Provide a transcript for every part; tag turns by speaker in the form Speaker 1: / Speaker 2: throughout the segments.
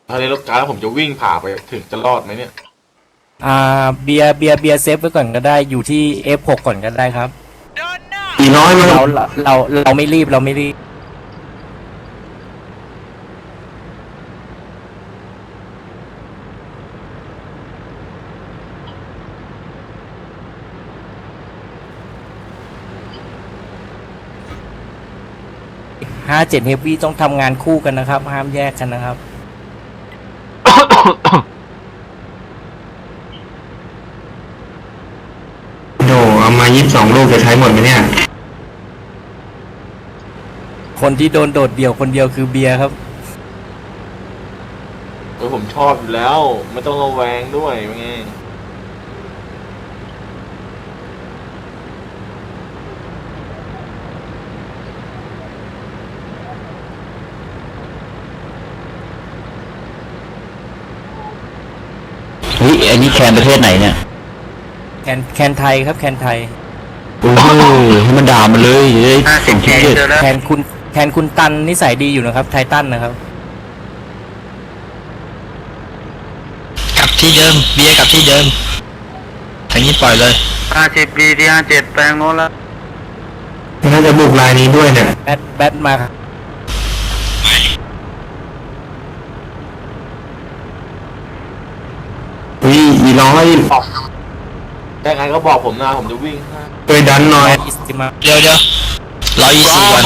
Speaker 1: ถ้าในรถการแล้วผมจะวิ่งผ่าไปถึงจะรอดไหมเนี่ย
Speaker 2: เบียร์เซฟไว้ก่อนก็ได้อยู่ที่ F6 ก่อนก็ได้ครับ
Speaker 3: อีน้อยมัน
Speaker 2: เราไม่รีบเราไม่รีบ57เฮฟวี่ต้องทำงานคู่กันนะครับห้ามแยกกันนะครับ
Speaker 3: โดเอามา22ลูกจะใช้หมดไหมเนี่ย
Speaker 2: คนที่โดนโดดเดี่ยวคนเดียวคือเบียร์ครับ
Speaker 1: ผมชอบอยู่แล้วไม่ต้องระแวงด้วยไง
Speaker 4: เฮ้ยอันนี้แคนประเทศไหนเนี่ย
Speaker 2: แคนไทยครับแคนไทย
Speaker 4: โอ้โหให้มันด่ามันเลยจะได้ส่งที่เด็ด
Speaker 2: แคนคุณตันนิสัยดีอยู่นะครับไททันนะครับ
Speaker 4: กลับที่เดิมเบียร์กลับที่เดิมทางนี้ปล่อยเลย
Speaker 5: 50 ปีที่57แปลงโน้นแล้ว
Speaker 3: น่าจะบุกลายนี้ด้วยเนี่ย
Speaker 2: แบทมาครับ
Speaker 3: อีน้อย
Speaker 1: แต่ไงก็บอกผมนะผมจะวิ่งให้
Speaker 3: ไปดันหน่อย
Speaker 2: อิสติมา
Speaker 4: เดี๋ยวรออีซีก่อน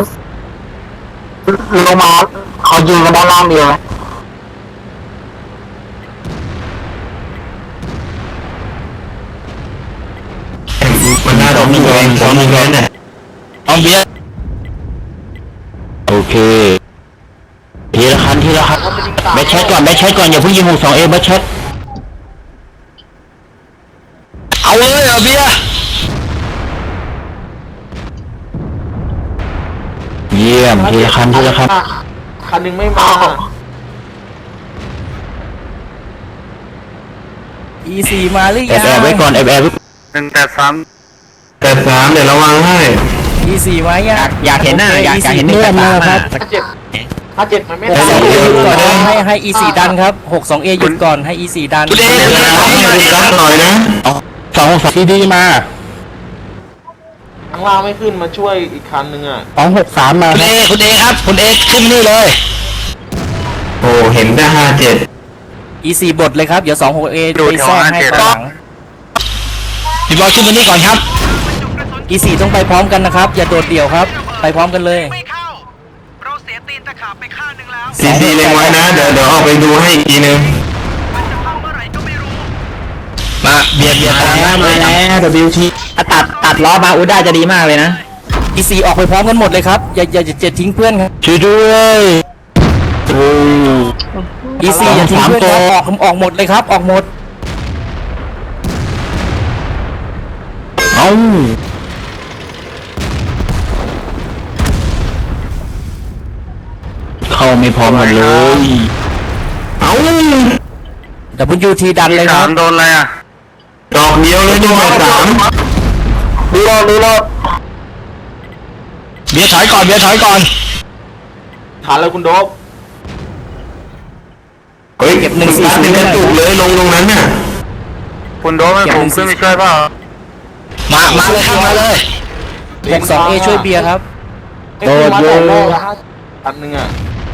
Speaker 5: ลงมาเขายิงกันด้านล่างเดียวไหม
Speaker 3: มันน่าจะมีแรงสองมีแรงเนี่ย
Speaker 4: เอาเบียร์โอเคทีละคันแบทแชทก่อนอย่าเพิ่งยิง62Aแบทแชทเอาเลยเอาเบียร์เยี่ยมทีละคัน
Speaker 1: คันหนึงไม่มา
Speaker 2: E4 มาหรือ
Speaker 4: แอ
Speaker 2: ยัง
Speaker 4: บไว้ก่อนแอบ
Speaker 5: 183
Speaker 3: แต่3เดี๋ยวระวังให้
Speaker 2: E4 มายัง
Speaker 4: อยากเห็นหน้าอยากเห็น
Speaker 2: เลื่อนมา
Speaker 4: ค
Speaker 2: ค
Speaker 4: รั
Speaker 2: รั
Speaker 4: บบ
Speaker 1: 57มันไม่
Speaker 2: 62A
Speaker 1: ได้
Speaker 2: หยุดก่อนนะให้ E4 ดันครับ 62A หยุดก่อนให้ E4 ดัน
Speaker 4: คุณเอ
Speaker 3: รับหน่อยนะ
Speaker 4: 262ที่ดีมา
Speaker 1: ข้างล่างไม่ขึ้นมาช่วยอีกคันหนึงอ่ะ
Speaker 4: 263มาคุณเอครับคุณเอขึ้นนี่เลย
Speaker 3: โอ้เห็นแต่57
Speaker 2: E4 บทเลยครับเดี๋ยว 26A ไปแทรกให้ข้างหลัง
Speaker 4: พี่บอลขึ้นมานี่ก่อนครับ
Speaker 2: E4 ต้องไปพร้อมกันนะครับอย่าโดดเดี่ยวครับไปพร้อมกันเลย
Speaker 6: ไม่เข้า เราเสียตีนตะขาบไปข้างหนึ่งแล้ว
Speaker 3: CC เล็งไว้นะเดี๋ยวออกไปดูให้อีกทีนึง
Speaker 6: มันจะพังเมื่อไหร่ก็ไม่รู้
Speaker 4: มาเบียดตามมาแล้ว WT ตัดล้อมาอุด้าจะดีมากเลยนะ
Speaker 2: E4 ออกไปพร้อมกันหมดเลยครับอย่าทิ้งเพื่อนครับ
Speaker 4: ช่วยด้วยโอ้
Speaker 2: E4 อย่าทิ้งเพื่อนครับออกหมดเลยครับออกหมด
Speaker 4: เอ้าเข้าไม่พร้อมกันเลย
Speaker 3: เอ้า
Speaker 2: WT ดันเลยครับ
Speaker 5: โดนอะไรอ่ะ
Speaker 3: ดอกเดียวเลยนี่3
Speaker 5: ดูรอ
Speaker 4: เบียร์ถอยก่อน
Speaker 1: ทันแล้วคุณโดบ
Speaker 3: เฮ้ยมึงตัดเป็นกระจุกเลยลงตรงนั้นน่ะ
Speaker 5: คุณโดนไม่ผมขึ้นไปช่วยเปล่า
Speaker 4: มาเลยครับมาเลย
Speaker 2: 62A ช่วยเบียร์ครับ
Speaker 1: โดดเลยคันหนึงอ่ะ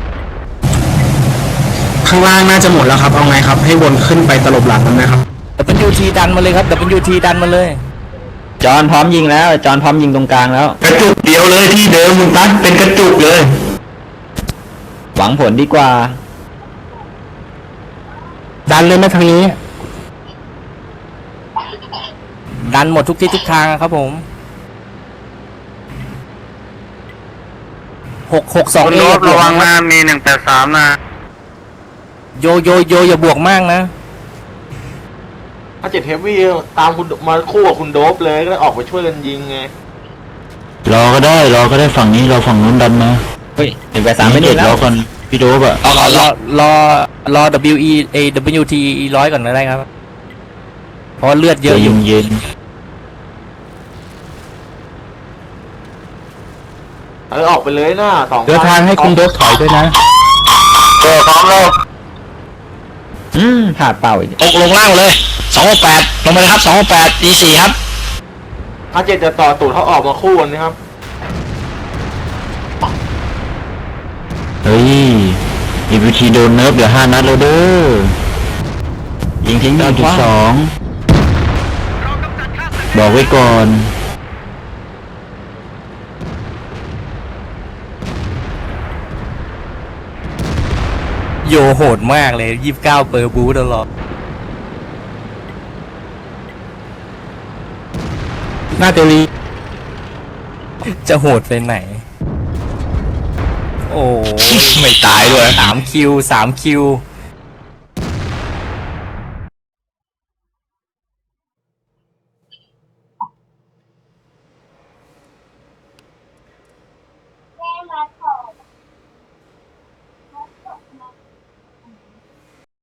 Speaker 3: ข้างล่างน่าจะหมดแล้วครับเอาไงครับให้วนขึ้นไปตลบหลังมันนะครับ
Speaker 2: WT ดันมาเลยครับ WT ดันมาเลย
Speaker 4: จอนพร้อมยิงแล้วจอนพร้อมยิงตรงกลางแล้ว
Speaker 3: กระจุกเดียวเลยที่เดิมมึงตัดเป็นกระจุกเลย
Speaker 4: หวังผลดีกว่า
Speaker 3: ดันเลยไหมทางนี้
Speaker 2: ดันหมดทุกที่ทุกทางครับผม
Speaker 5: คุณ
Speaker 2: 662A
Speaker 5: โด
Speaker 2: อย่าบ
Speaker 5: ระ
Speaker 2: วก
Speaker 5: วัง
Speaker 2: นะ
Speaker 5: นะมี183นะ
Speaker 2: โยอย่าบวกมากนะ
Speaker 1: 57เฮฟวี่ตามคุณมาคู่กับคุณโดบเลยก็เลยออกไปช่วยกันยิงไง
Speaker 4: รอก็ได้ฝั่งนี้เราฝั่งนู้นดันมาเฮ้ย183ไม่เด็ดรอก่อนพี่โดบอะ
Speaker 2: รอ WT 100ก่อนก็ได้ครับเพราะเลือดเยอะอยู่
Speaker 4: เย็น
Speaker 1: ออกไปเลยนะ2
Speaker 4: เดินทางให้คุณโดบถอยด้วยนะ
Speaker 5: พร้อมแล้ว
Speaker 3: พลาดเป้าอีก
Speaker 4: ตกลงล่างเลย268ลงไปเลยครับ268 E4 ครับ
Speaker 1: 57จะต่อตูดเขาออกมาคู่กันนะครับ
Speaker 4: เฮ้ย EVT โดนเนิร์ฟเหลือ5 นัดแล้วเด้อยิงทิ้ง 9.2
Speaker 6: เรากำจัดค่าศึก
Speaker 4: บอกไว้ก่อน
Speaker 2: โยโหดมากเลย29เปอร์บูตลอด
Speaker 3: หน้าตัวนี้
Speaker 2: จะโหดไปไหน โอ้ย
Speaker 4: ไม่ตายด้วย
Speaker 2: 3 คิว